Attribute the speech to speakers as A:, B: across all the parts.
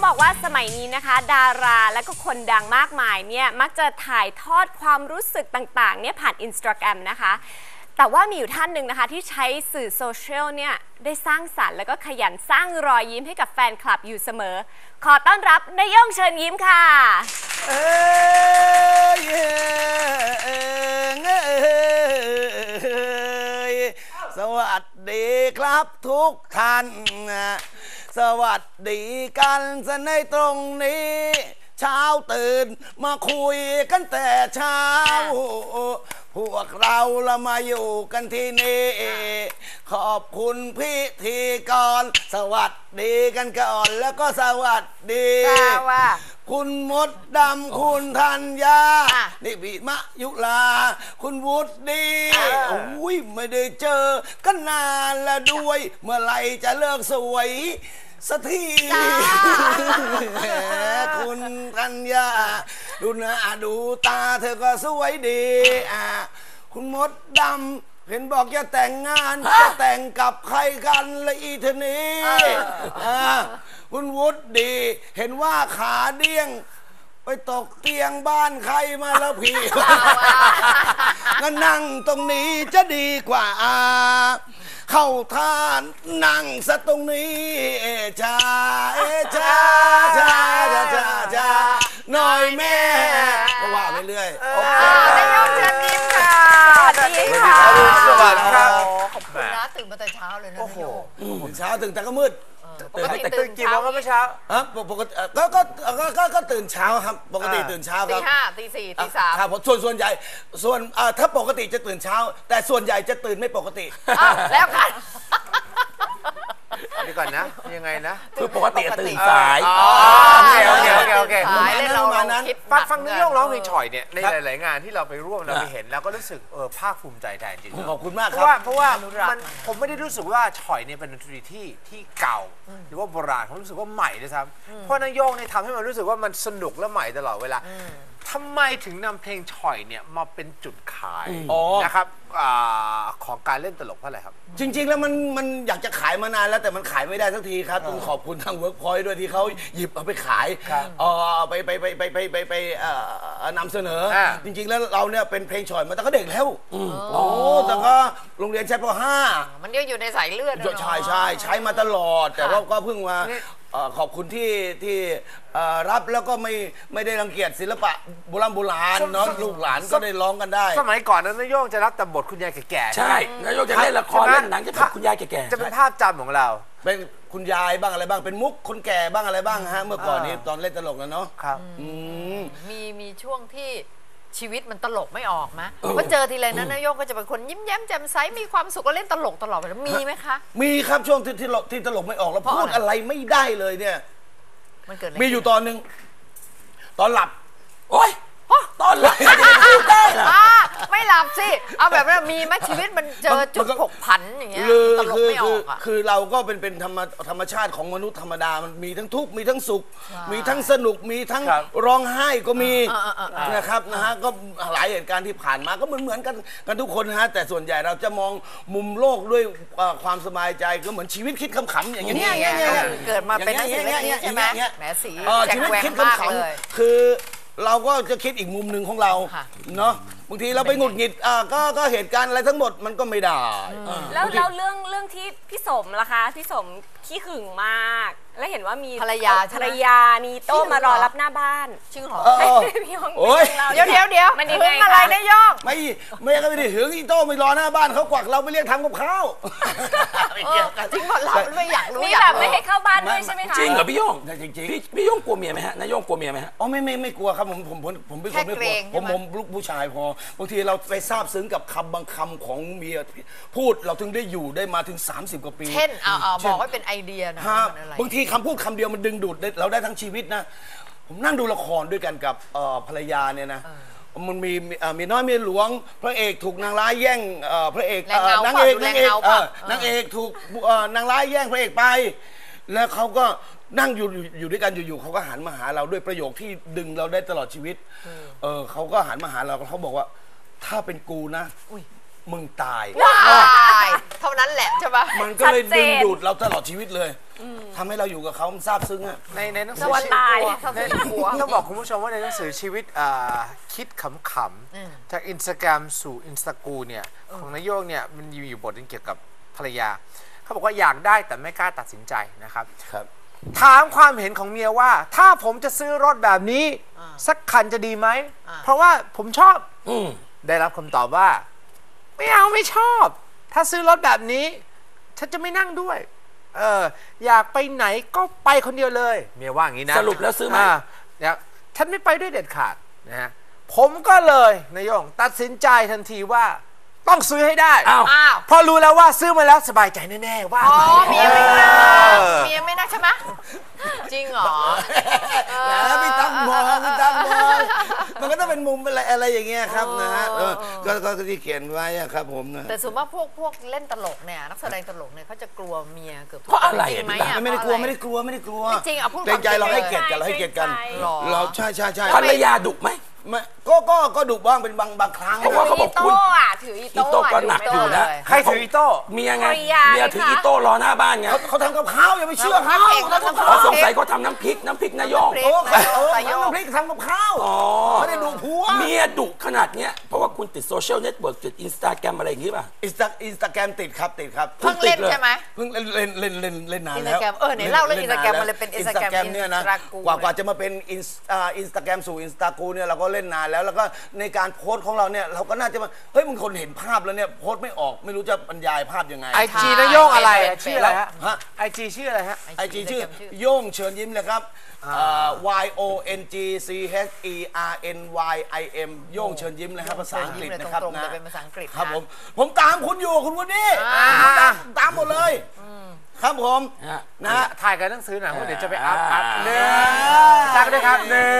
A: บอกว่าสมัยนี้นะคะดาราและก็คนดังมากมายเนี่ยมักจะถ่ายทอดความรู้สึกต่างๆเนี่ยผ่าน Instagram นะคะแต่ว่ามีอยู่ท่านหนึ่งนะคะที่ใช้สื่อโซเชียลเนี่ยได้สร้างสรรค์แล้วก็ขยันสร้างรอยยิ้มให้กับแฟนคลับอยู่เสมอขอต้อนรับนายย่งเชิญยิ้มค่ะ
B: สวัสดีครับทุกท่านสวัสดีกันซะในตรงนี้เช้าตื่นมาคุยกันแต่เช้าพวกเรามาอยู่กันที่นี่ขอบคุณพิธีกรสวัสดีกันก่อนแล้วก็สวัสดีคุณมดดำคุณธัญญานี่พี่มะยุลาคุณวุฒิโอ้ยไม่ได้เจอกันนานแล้วด้วยเมื่อไหร่จะเลิกสวยสักทีคุณธัญญาดูหน้าดูตาเธอก็สวยดีคุณมดดำเห็นบอกจะแต่งงานจะแต่งกับใครกันละอีเทนี้คุณวุฒิดีเห็นว่าขาเดี้ยงไปตกเตียงบ้านใครมาแล้วพี่ก็นั่งตรงนี้จะดีกว่าเข้าท่านนั่งซะตรงนี้จ้าจ้าจ้าจ้าจ้าหน่อยแม่ก็ว่าไปเรื่อย
C: นายกเชิญยิ้มค่ะสวัสดีค่ะ
B: สวัสดีครับ
C: ขอบคุณนะตื่นมาแต่เช้าเลยนะโอ้โห
B: ตื่นเช้าตื่นแต่ก็มืด
C: ตื่นกี่โมงครับเมื่อเช้า
B: ปกติก็ตื่นเช้าครับปกติตื่นเช้าครับ
C: ตี 5 ตี 4 ตี 3
B: ครับส่วนใหญ่ถ้าปกติจะตื่นเช้าแต่ส่วนใหญ่จะตื่นไม่ปกติ
C: แล้วกัน
D: นี่ก่อนนะยังไงนะ
B: คือปกติตื่นสาย
D: โอเค
C: สายเลยเราคิด
D: ฟังนายกร้องเพลงฉ่อยเนี่ยในหลายๆงานที่เราไปร่วมเราไปเห็นแล้วก็รู้สึกภาคภูมิใจแทนจริง
B: ขอบคุณมากครับ
D: เพราะว่าผมไม่ได้รู้สึกว่าฉ่อยเนี่ยเป็นดนตรีที่เก่าหรือว่าโบราณผมรู้สึกว่าใหม่ด้วยซ้ำเพราะนายกเนี่ยทำให้มันรู้สึกว่ามันสนุกและใหม่ตลอดเวลาทำไมถึงนำเพลงฉ่อยเนี่ยมาเป็นจุดขายนะครับของการเล่นตลกเพราะอะไรครับ
B: จริงๆแล้วมันอยากจะขายมานานแล้วแต่มันขายไม่ได้สักทีครับต้องขอบคุณทาง Workpoint ด้วยที่เขาหยิบเอาไปขายไปนำเสนอจริงๆแล้วเราเนี่ยเป็นเพลงฉ่อยมาตั้งแต่เด็กแล้วแต่ก็โรงเรียนชั้นป .5
C: มันอยู่ในสายเลือด
B: ใช้มาตลอดแต่ว่าก็เพิ่งมาขอบคุณที่รับแล้วก็ไม่ได้รังเกียจศิลปะโบราณเนาะลูกหลานก็ได้ร้องกันได้
D: สมัยก่อนนั้นนายกจะรับแต่บทคุณยายแก่
B: ๆใช่นายกจะเล่นละครเล่นหนังจะเป็นคุณยายแก่
D: ๆจะเป็นภาพจำของเรา
B: เป็นคุณยายบ้างอะไรบ้างเป็นมุกคนแก่บ้างอะไรบ้างฮะเมื่อก่อนนี้ตอนเล่นตลกนะเนาะ
D: ครับ
C: มีช่วงที่ชีวิตมันตลกไม่ออกมะว่าเจอทีไรนั้นนายกก็จะเป็นคนยิ้มแย้มแจ่มใสมีความสุขก็เล่นตลกตลอดไปแล้วมีไหมคะ
B: มีครับช่วงที่ตลกไม่ออกแล้วพูดอะไรไม่ได้เลยเนี่ย
C: มันเกิดอะไร
B: มีอยู่ตอนนึงตอนหลับโอ๊ยตอนหลับ
C: ไม่หลับสิเอาแบบนั้นมีไหมชีวิตมันเจอจุดผกผันอย่างเงี้ยตลกไม่ออก
B: คือเราก็เป็นธรรมชาติของมนุษย์ธรรมดามันมีทั้งทุกข์มีทั้งสุขมีทั้งสนุกมีทั้งร้องไห้ก็มีนะครับนะฮะก็หลายเหตุการณ์ที่ผ่านมาก็เหมือนกันทุกคนนะฮะแต่ส่วนใหญ่เราจะมองมุมโลกด้วยความสบายใจก็เหมือนชีวิตคิดขำๆอย่างเงี้ย
C: เกิดมาเป็นนักศิลป์ใช่ไหมแหมสี
B: ชีวิตคิดขำๆคือเราก็จะคิดอีกมุมหนึ่งของเราเนาะบางทีเราไปหงุดหงิดก็เหตุการณ์อะไรทั้งหมดมันก็ไม่ได้
A: แล้วเรื่องที่พี่สมล่ะคะพี่สมขี้หึงมากแล้วเห็นว่ามี
C: ภรรยา
A: มีโต้มารอรับหน้าบ้าน
C: ชื่อหรอ
A: พี่ยง
C: เดี๋ยวมันยังไงอะไรนะยง
B: ไม่ก็ไม่ได้หึงอีโต้ไม่รอหน้าบ้านเขากวักเราไปเรียกทำกับข้าว
C: จริงหมดเราไม่อยากรู้
A: นี่แบบไม่ให้เข้าบ้านด้วยใช่ไหมคะ
E: จริงเหรอพี่ยง
B: จริง
E: พี่ยงกลัวเมียไหมฮะนายยงกลัวเมียไหมฮะ
B: อ๋อไม่กลัวครับผมเป็นคนไม่กลัวผมลูกผู้ชายพอบางทีเราไปซาบซึ้งกับคำบางคำของเมียพูดเราถึงได้อยู่ได้มาถึง30 กว่าปี
C: เช่นบอกว่าเป็นไอเดียนะ
B: บางทีคำพูดคำเดียวมันดึงดูดเราได้ทั้งชีวิตนะผมนั่งดูละครด้วยกันกับภรรยาเนี่ยนะมันมีน้อยมีหลวงพระเอกถูกนางร้ายแย่งพระเอกนางเอกถูกนางร้ายแย่งพระเอกไปแล้วเขาก็นั่งอยู่ด้วยกันอยู่เขาก็หันมาหาเราด้วยประโยคที่ดึงเราได้ตลอดชีวิตเขาก็หันมาหาเราเขาบอกว่าถ้าเป็นกูนะมึงตาย
C: เท่านั้นแหละใช่ปะ
B: มันก็เลย
A: ชัดเจน
B: ดึงดูดเราตลอดชีวิตเลยทำให้เราอยู่กับเขามันซาบซึ้งอะ
D: ในหนังสื
A: ตัวตาย
D: ต้องบอกคุณผู้ชมว่าในหนังสือชีวิตคิดขำๆจากอินสตาแกรมสู่อินสตากูเนี่ยของนายโยงเนี่ยมันมีอยู่บทนึงเกี่ยวกับภรรยาเขาบอกว่าอยากได้แต่ไม่กล้าตัดสินใจนะครับ
B: ครับ
D: ถามความเห็นของเมียว่า ถ้าผมจะซื้อรถแบบนี้สักคันจะดีไหมเพราะว่าผมชอบได้รับคำตอบว่าไม่เอาไม่ชอบ ถ้าซื้อรถแบบนี้ฉันจะไม่นั่งด้วยอยากไปไหนก็ไปคนเดียวเลยเมียว่าอย่างนี้นะ
E: สรุปแล้วซื้อไหม
D: เนี่ยฉันไม่ไปด้วยเด็ดขาดนะฮะผมก็เลยนายโยงตัดสินใจทันทีว่าต้องซื้อให้ได้
E: อ้าว
D: เพราะรู้แล้วว่าซื้อมาแล้วสบายใจแน่ๆว่า
C: อ๋อเมียไม่น่าเมียไม่น่าใช่ไหมจริงเหรอ
B: แล้วพี่ตั้งมองพี่ตั้งมองมันก็ต้องเป็นมุมอะไรอย่างเงี้ยครับนะฮะก็ที่เขียนไว้อะครับผมนะ
C: แต่ส่วนมากพวกเล่นตลกเนี่ยนักแสดงตลกเนี่ยเขาจะกลัวเมียเกือบทุก
E: เพราะอะไร
C: จริงไหม
E: อ่ะ
C: อ่ะ
B: ไม่ได้กลัว
C: เพราะอะร
B: ไม่ได้กลัวไม่ได้กลัว
C: ไม่จริงอ่ะพูด
B: เกรงใจ
C: ความจริง
B: เราให้เกียรติกันเราให้เกียรติกัน
A: หรอ
B: เราใช่ใช่ใช่
E: ภรรยาดุไหม
B: ไม่ก็ดุบ้างเป็นบางครั้ง
E: เพราะว่าเขาบอก
A: ถื
E: คุณ
A: โต้อะถืออี
E: อีโต้ก็หนักอยู่นะ
D: ใครถืออีโต้
E: เมียไง
A: ภรรยา
E: เมียถือ
A: ไงคะ
E: อีโต้รอหน้าบ้านไง
B: เขาทำกับข้าวอย่าไปเชื่อเขา
C: เขาทำกับ
E: อ๋อ
C: ข้าว
E: สงสัยเขาทำน้ำพริกนายง
B: โอ้
C: ใส่โยก
B: ทำน้ำพริกทำกับข้าว
E: อ๋อ
B: ไม่ได้ดุผัว
E: เมียดุขนาดเนี้ยเพราะว่าคุณติดโซเชียลเน็ตเวิร์กติดอินสตาแกรมอะไรอย่างงี้ป่ะ
B: อินสตาแกรมติดครับ
C: เพิ่งเล่นใช่ไหม
B: เพิ่งเล่นนานแล้ว
C: Instagram ไหนเล่าเรื่อง Instagram มันเลยเป็น Instagram
B: เนี่ยนะ
C: Instagram
B: กว่าจะมาเป็นอินสตาแกรมสู่อินสตากูเนี่ยเราก็เล่นนานแล้วแล้วก็ในการโพสต์ของเราเนี่ยเราก็น่าจะมาเฮ้ยมึงคนเห็นภาพแล้วเนี่ยโพสต์ไม่ออกไม่รู้จะบรรยายภาพยังไง
D: ไอจีนายโยงอะไร
C: เป็น
D: ชื่ออะไรฮะ
B: ฮะ
D: ไอจีชื่ออะไรฮะ
B: ไอจีชื่อโย่งเชิญยิ้มเลยครับYONGCHERNYIM โย่งเชิญยิ้มเลยครับภาษาอังกฤษนะครับ
C: ตรงๆ
B: นะ
C: เลยเป็นภาษาอังกฤษ
B: ครับ
C: นะ
B: ผมตามคุณอยู่คุณวันนี้ตามหมดเลยครับผม
E: ฮะ
B: นะฮะ
D: ถ่ายกันหนังสือหน่อยเพราะเดี๋ยวจะไปอัพหนึ่งตั้งด้วยครับ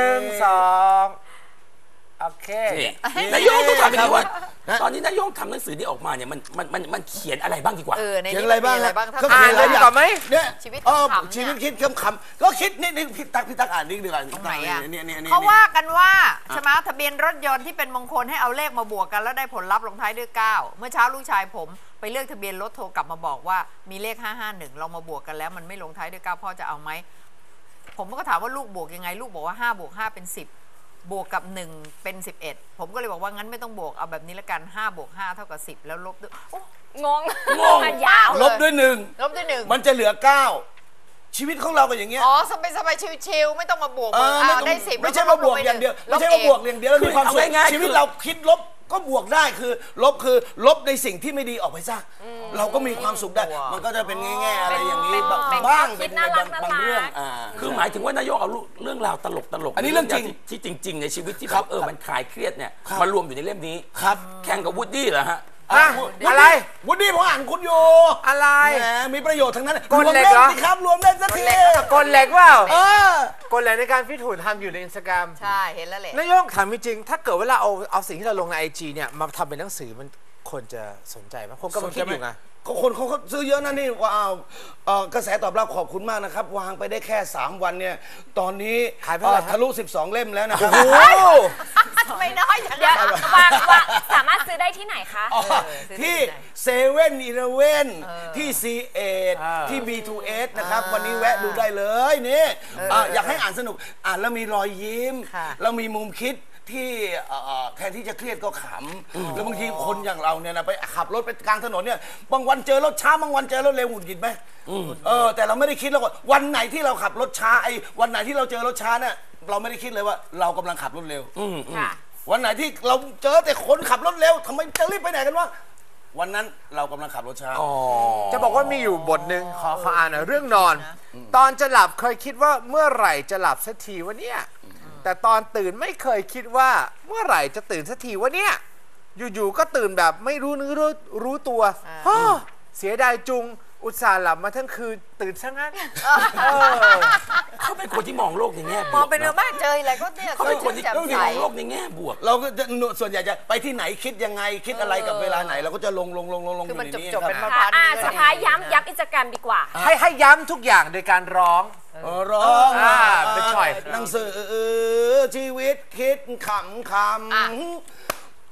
D: 1 2โอเค
E: นี่นายงต้องทำอย่างนี้ว่าตอนนี้นายงทำหนังสือนี้ออกมาเนี่ยมันเขียนอะไรบ้างดีกว่า
C: ใน
B: เขียน
C: นี้
B: อะไรบ้าง
C: มีอะไรบ้างถ้า
B: ก็
C: อ่า
B: เขียน
C: น
B: อะไร
D: ดีกว่าไหม
B: เนี่ย
C: ชีวิต
B: เออ
C: ขำๆเนี่ย
B: ชีวิตคิดคำๆก็คิดนิดนึงพี่ตั๊กอ่านนิดดีกว่า
C: ตรงไหนอ่ะ
B: เนี่ย
C: เขาว่ากันว่าใช่ไหมทะเบียนรถยนต์ที่เป็นมงคลให้เอาเลขมาบวกกันแล้วได้ผลลัพธ์ลงท้ายด้วย 9 เมื่อเช้าลูกชายผมไปเลือกทะเบียนรถโทรกลับมาบอกว่ามีเลข551เรามาบวกกันแล้วมันไม่ลงท้ายด้วย 9พ่อจะเอาไหมผมก็ถามว่าลูกบวกยังไงลูกบอกว่า5 บวก 5 เป็น 10 บวกกับ1เป็น11ผมก็เลยบอกว่างั้นไม่ต้องบวกเอาแบบนี้ละกัน5 บวก 5 เท่ากับ10แล้วลบด้วยโอ้
A: งง
C: ยาว
B: ลบด้วยหนึ่ง
C: ลบด้วย1
B: มันจะเหลือ 9 ชีวิตของเราก็อย่างเงี้ย
C: อ๋อสบายชิวๆไม่ต้องมาบวก
B: ไม่ต้อง
C: ได้10
B: ไม่ใช่ว่าบวกอย่างเดียวไม่ใช่ว่าบวกอย่างเดียวแล้วมีความสุข
E: เอาง่ายๆ
B: ชีวิตเราคิดลบก็บวกได้คือลบในสิ่งที่ไม่ดีออกไปซะเราก็มีความสุขได้ มันก็จะเป็นแง่ๆอะไรอย่างนี้บ้างเป็นในบางเรื่อง
E: คือหมายถึงว่านายกเอาเรื่องราวตลกๆ
B: อันนี้เรื่องจริง
E: ที่จริง ๆ ในชีวิตที่
B: ครับ
E: มันคลายเครียดเนี่ย
B: ครับ
E: มารวมอยู่ในเล่มนี้
B: ครับ
E: แข่งกับวูดดี้เหรอฮะ
D: อะไร
B: วุฒิผมอ่านคุณอยู่
D: อะไร
B: แหมมีประโยชน์ทั้งนั้น
D: กดเหล็กเหรอ
B: รวมเล่นสิครับรวมเล่นสักที
D: กลเหล็กเปล่า
B: เออ
D: กลเหล็กในการฟิตหุ่นทำอยู่ในอินสตาแกรม
C: ใช่เห็นแล้วแหละ
D: นายกถามจริงๆถ้าเกิดว่าเราเอาสิ่งที่เราลงในไอจีเนี่ยมาทำเป็นหนังสือมันคนจะสนใจไหมผมก็มาคิดอยู่ไง
B: คนเขาซื้อเยอะนะนี่ว้าวกระแสตอบรับขอบคุณมากนะครับ วางไปได้แค่ 3 วันเนี่ย ตอนนี้
D: ขายไปเท่าไหร่ครับ
B: ทะลุ 12 เล่มแล้วนะครับ
C: ไม่น้อยอย่าง
A: เดี๋ยว
C: นั้น
A: วางสามารถซื้อได้ที่ไหนคะ
B: ที่เซเว่นอีเลเว่นที่ซีเอที่ B2S นะครับ วันนี้แวะดูได้เลยนี่อยากให้อ่านสนุกอ่านแล้วมีรอยยิ้ม แล้วมีมุมคิดที่แทนที่จะเครียดก็ขำแล้วบางทีคนอย่างเราเนี่ยนะไปขับรถไปกลางถนนเนี่ยบางวันเจอรถช้าบางวันเจอรถเร็วหงุดหงิดไหมแต่เราไม่ได้คิดแล้วว่าวันไหนที่เราขับรถช้าวันไหนที่เราเจอรถช้าเนี่ยเราไม่ได้คิดเลยว่าเรากำลังขับรถเร็ว
A: ค่ะ
B: วันไหนที่เราเจอแต่คนขับรถเร็วทำไมจะรีบไปไหนกันวะวันนั้นเรากำลังขับรถช้า
D: จะบอกว่ามีอยู่บทหนึ่งขออ่านหน่อยเรื่องนอน ตอนจะหลับเคยคิดว่าเมื่อไหร่จะหลับสักทีวะเนี่ยแต่ตอนตื่นไม่เคยคิดว่าเมื่อไหร่จะตื่นสักทีวะเนี่ยอยู่ๆก็ตื่นแบบไม่รู้เนื้อรู้ตัวเสียดายจุงอุตส่าห์หลับมาทั้งคืนตื่นซะงั้น
E: เขาเป็นคนที่มองโลกในแง่บวก
C: มองเป็นเรื่องมากเจออะไรก็เนี่ย
E: เขาเป็นคนที่
C: แจ่มใส
E: มองโลกในแง่บวก
B: เราก็จะส่วนใหญ่จะไปที่ไหนคิดยังไงคิดอะไรกับเวลาไหนเราก็จะลง
C: คือ
B: อ
C: มัน
B: ยู่ในนี้
C: จบ
B: ค
C: เป็น
B: รับ
C: มาพัน
A: สุดท้ายย้ำอินสตาแกรมดีกว่า
D: ให้ย้ำทุกอย่างโดยการร้อง
B: ร้อง
D: เป็นช่อย
B: หนังสือชีวิตคิดขำ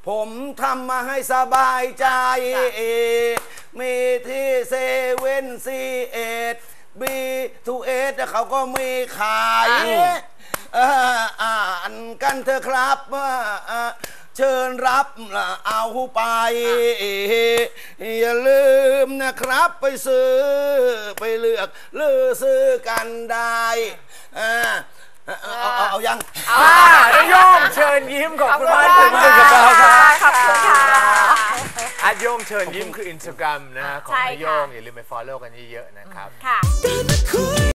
B: ผมทำมาให้สบายใจ มีที่เซเว่นC8 B2S เขาก็มีขายอ่านกันเถอะครับเชิญรับเอาไปอย่าลืมนะครับไปซื้อไปเลือกเลือกซื้อกันได้เอายัง
D: นายโย่งเชิญยิ้มขอบคุณมากที่มากับเราครับ
A: ขอบคุณค่ะ
D: โย่งเชิญยิ้มคือ Instagram นะฮะของนายโย่งอย่าลืมไป follow กันเยอะๆนะครับ
A: ค่ะ